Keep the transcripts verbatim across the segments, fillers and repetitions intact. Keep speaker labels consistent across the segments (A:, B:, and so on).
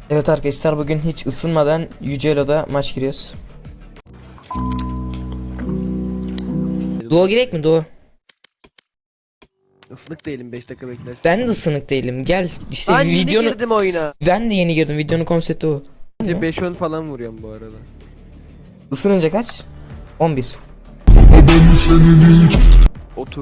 A: Evet arkadaşlar, bugün hiç ısınmadan Yüce Elo'da maç giriyoruz. Duo girek mi Duo?
B: Isınık değilim, beş dakika beklersin.
A: Ben de ısınık değilim. Gel işte
B: Ben
A: videonu.
B: yeni girdim oyuna.
A: Ben de yeni girdim. Videonun konsepti o.
B: Önce beş on falan vuruyorum bu arada.
A: Isınınca kaç? on bir.
B: otuz.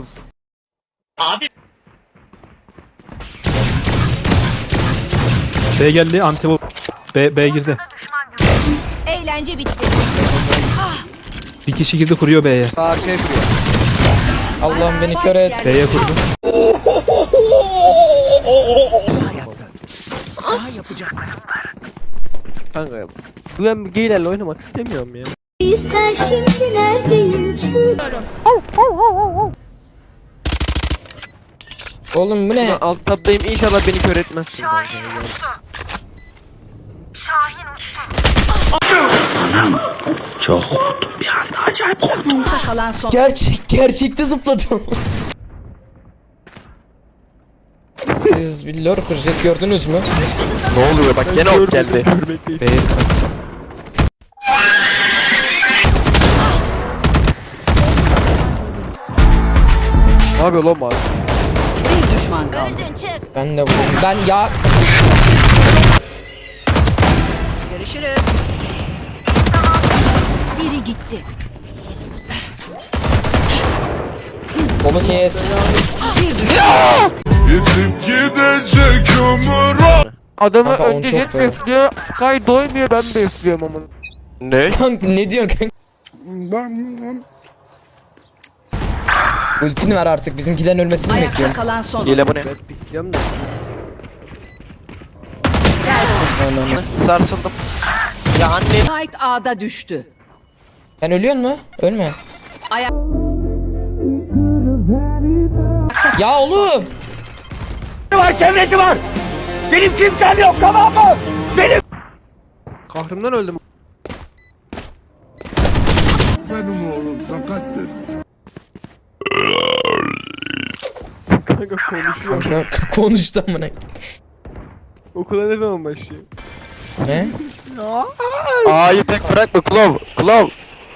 C: B geldi, anti B, B girdi.
D: Eğlence bitti.
C: Bir kişi girdi, kuruyor B'ye.
B: Arka yapıyor.
A: Allah'ım beni kör et.
C: B'ye kurdu.
B: Kanka yap. Ben geylerle oynamak istemiyorum ya.
D: Sen şimdi neredeyim?
A: Oğlum bu ne?
B: Ben alt tabdayım, inşallah beni kör etmezsin.
D: Kalan son.
A: Gerçek gerçekte zıpladım. Siz bir lore kıracak gördünüz mü?
E: Ne oluyor bak gene ok geldi.
C: B'ye dikkat.
B: Ne yapıyor lan bu?
D: Bir düşman kaldı.
A: Ben de vurdum. Ben ya
D: Görüşürüz. Biri gitti.
A: kolu kes.
D: Bir düşman.
F: Yetip gidecek ömür.
B: Adamı
A: Kanka, onu
B: önce
A: çok
B: jet
A: böyle.
B: besliyor, Sky doymuyor, ben besliyorum ama.
E: Ne?
A: Kanka ne diyorsun kanka? Ultini ver artık, bizimkilerin ölmesini mi
D: Ayakta
A: bekliyorum?
D: kalan son.
E: Hile bu ne?
B: Ben pikliyorum da.
E: Sarsıldım. Ya anne.
D: Spike A'da düştü.
A: Sen ölüyor mu? Ölme.
D: Ayak.
A: Ya oğlum.
B: Kahrımdan öldüm.
F: Benim oğlum sakattır.
B: Kanka konuşuyor.
A: Kanka konuştu amına.
B: Okula ne zaman başlıyor?
A: Ne?
E: A'yı tek bırakma Klov. Klov.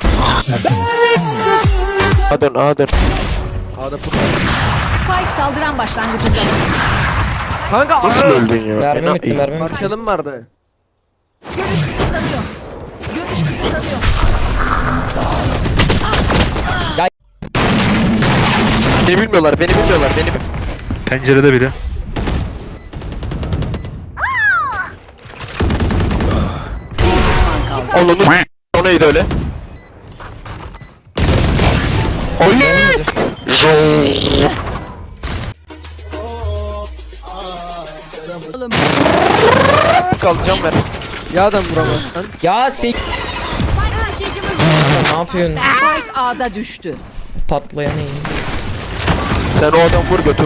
E: A dön A dön.
B: A'da put.
D: Spike saldıran başlangıcında.
B: Kanka
E: Nasıl
B: A.
E: öldün ya?
A: Mermi
E: Ena-
A: bitti, mermi bitti.
B: Parçalım vardı.
D: Görüş kısıtlanıyor. Görüş kısıtlanıyor.
E: Beni bilmiyorlar beni bilmiyorlar beni.
C: Pencerede biri.
E: Onu s- o neydi öyle? Oy! Kalacağım ver.
B: Ya adam vuramazsan.
A: Ya sen ne yapıyorsun?
D: Spike A'da düştü.
A: Patlayan iyi.
E: Sen o adam vur götümü.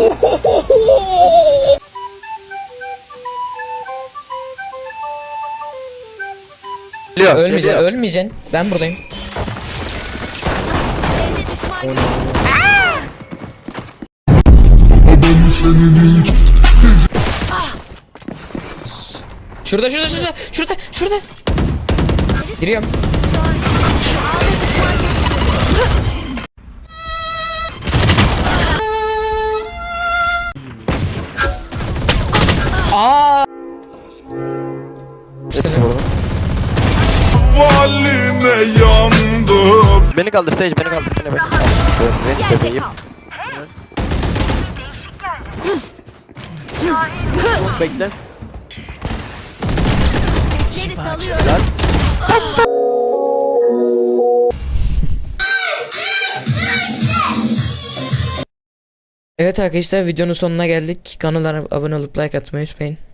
E: Geliyor,
A: Ölmeyeceksin,
E: geliyor.
A: ölmeyeceksin. Ben buradayım. Şurada, şurada, şurada, şurada, şurada. Giriyorum. Aa!
E: Hepsi burada.
F: Valine yandım.
E: Beni kaldır Sage beni kaldır beni beni. Beni bebeğim.
B: Bekle.
A: Evet arkadaşlar, videonun sonuna geldik. Kanala abone olup like atmayı unutmayın.